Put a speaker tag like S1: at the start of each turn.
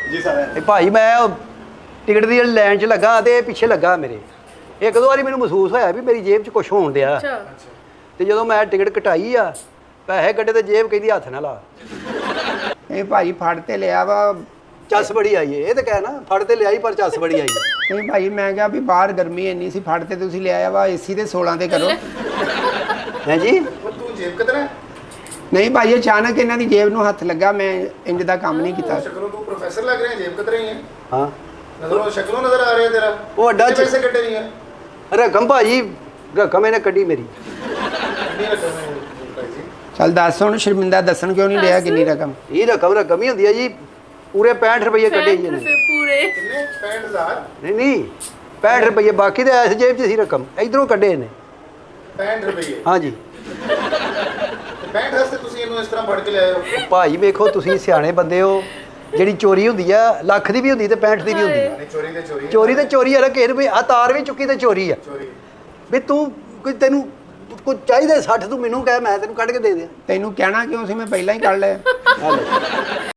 S1: ਜੀ ਸਰ
S2: ਭਾਈ ਮੈਂ ਟਿਕਟ ਦੀ ਲਾਈਨ 'ਚ ਲੱਗਾ ਤੇ ਪਿੱਛੇ ਲੱਗਾ ਮੇਰੇ। ਇੱਕ ਦੋ ਵਾਰੀ ਮੈਨੂੰ ਮਹਿਸੂਸ ਹੋਇਆ ਵੀ ਮੇਰੀ ਜੇਬ 'ਚ ਕੁਝ ਹੋਣ ਡਿਆ। ਤੇ ਜਦੋਂ ਮੈਂ ਟਿਕਟ ਕਟਾਈ ਆ, ਪੈਸੇ ਕੱਢੇ ਤੇ ਜੇਬ ਕਹਿੰਦੀ ਹੱਥ ਨਾ ਲਾ।
S3: ਇਹ ਭਾਈ ਫੜ ਤੇ ਲਿਆ ਵਾ,
S2: ਚੱਸ ਬੜੀ ਆਈ ਏ, ਇਹ ਤਾਂ ਕਹਿ ਨਾ ਫੜ ਤੇ ਲਿਆਈ ਪਰ ਚੱਸ ਬੜੀ ਆਈ।
S3: ਨਹੀਂ ਭਾਈ ਮੈਂ ਕਿਹਾ ਵੀ ਬਾਹਰ ਗਰਮੀ ਇੰਨੀ ਸੀ, ਫੜ ਤੇ ਤੁਸੀਂ ਲਿਆਇਆ ਵਾ, ਏਸੀ ਤੇ 16 ਤੇ ਕਰੋ।
S2: ਹੈ ਜੀ
S1: ਤੂੰ ਜੇਬ ਕਿਤਨਾ
S3: ਨਹੀਂ ਭਾਈ ਅਚਾਨਕ ਇਹਨਾਂ ਦੀ ਜੇਬ ਨੂੰ ਹੱਥ ਲੱਗਾ, ਮੈਂ ਇੰਜ ਦਾ ਕੰਮ ਨਹੀਂ ਕੀਤਾ।
S1: ਸ਼ਕਲੋਂ ਤੂੰ ਪ੍ਰੋਫੈਸਰ ਲੱਗ ਰਿਹਾ, ਜੇਬ ਕਿਤਨਾ ਹੀ ਹੈ।
S2: ਹਾਂ
S1: ਨਜ਼ਰੋਂ ਸ਼ਕਲੋਂ ਨਜ਼ਰ ਆ ਰਿਹਾ ਤੇਰਾ।
S2: ਉਹ ਅੱਡਾ
S1: ਕਿੰਨੇ ਪੈਸੇ ਕੱਢੇ ਨਹੀਂ ਹੈ।
S2: ਰਕਮ ਭਾਜੀ, ਰਕਮ ਇਹਨੇ ਕੱਢੀ ਮੇਰੀ।
S1: ਕਿੰਨੀ ਰਕਮ ਹੈ ਭਾਈ ਜੀ?
S3: ਚੱਲ ਦੱਸ ਹੁਣ, ਸ਼ਰਮਿੰਦਾ ਦੱਸਣ ਕਿਉਂ ਨਹੀਂ ਲਿਆ ਕਿੰਨੀ ਰਕਮ?
S2: ਇਹ ਰਕਮ ਹੀ ਹੁੰਦੀ ਹੈ ਜੀ। ਪੂਰੇ 65 ਰੁਪਏ ਕੱਢੇ ਜੀ ਇਹਨੇ।
S4: ਪੂਰੇ
S1: ਕਿੰਨੇ 65000?
S2: ਨਹੀਂ 65 ਰੁਪਏ, ਬਾਕੀ ਤਾਂ ਇਸ ਜੇਬ 'ਚ ਸੀ ਰਕਮ, ਇਧਰੋਂ ਕੱਢੇ ਇਹਨੇ।
S1: 65 ਰੁਪਏ?
S2: ਹਾਂਜੀ।
S1: 65 ਵਾਸਤੇ ਤੁਸੀਂ ਇਹਨੂੰ ਇਸ ਤਰ੍ਹਾਂ ਫੜ ਕੇ ਲਿਆਏ ਹੋ?
S2: ਭਾਈ ਵੇਖੋ ਤੁਸੀਂ ਸਿਆਣੇ ਬੰਦੇ ਹੋ, ਜਿਹੜੀ ਚੋਰੀ ਹੁੰਦੀ ਆ ਲੱਖ ਦੀ ਵੀ ਹੁੰਦੀ ਤੇ 65 ਦੀ ਵੀ ਹੁੰਦੀ।
S1: ਨਹੀਂ ਚੋਰੀ ਤੇ ਚੋਰੀ ਹੈ।
S2: ਚੋਰੀ ਤੇ ਚੋਰੀ ਹੈ, ਕਿਸੇ ਨੂੰ ਵੀ ਆ ਤਾਰ ਵੀ ਚੁੱਕੀ ਤੇ ਚੋਰੀ ਆ।
S1: ਚੋਰੀ
S2: ਵੀ ਤੂੰ ਕੋਈ ਤੈਨੂੰ ਕੋਈ ਚਾਹੀਦਾ 60, ਤੂੰ ਮੈਨੂੰ ਕਹਿ ਮੈਂ ਤੈਨੂੰ ਕੱਢ ਕੇ ਦੇ ਦਿਆਂ।
S3: ਤੈਨੂੰ ਕਹਿਣਾ ਕਿਉਂ ਸੀ, ਮੈਂ ਪਹਿਲਾਂ ਹੀ ਕੱਢ ਲਿਆ।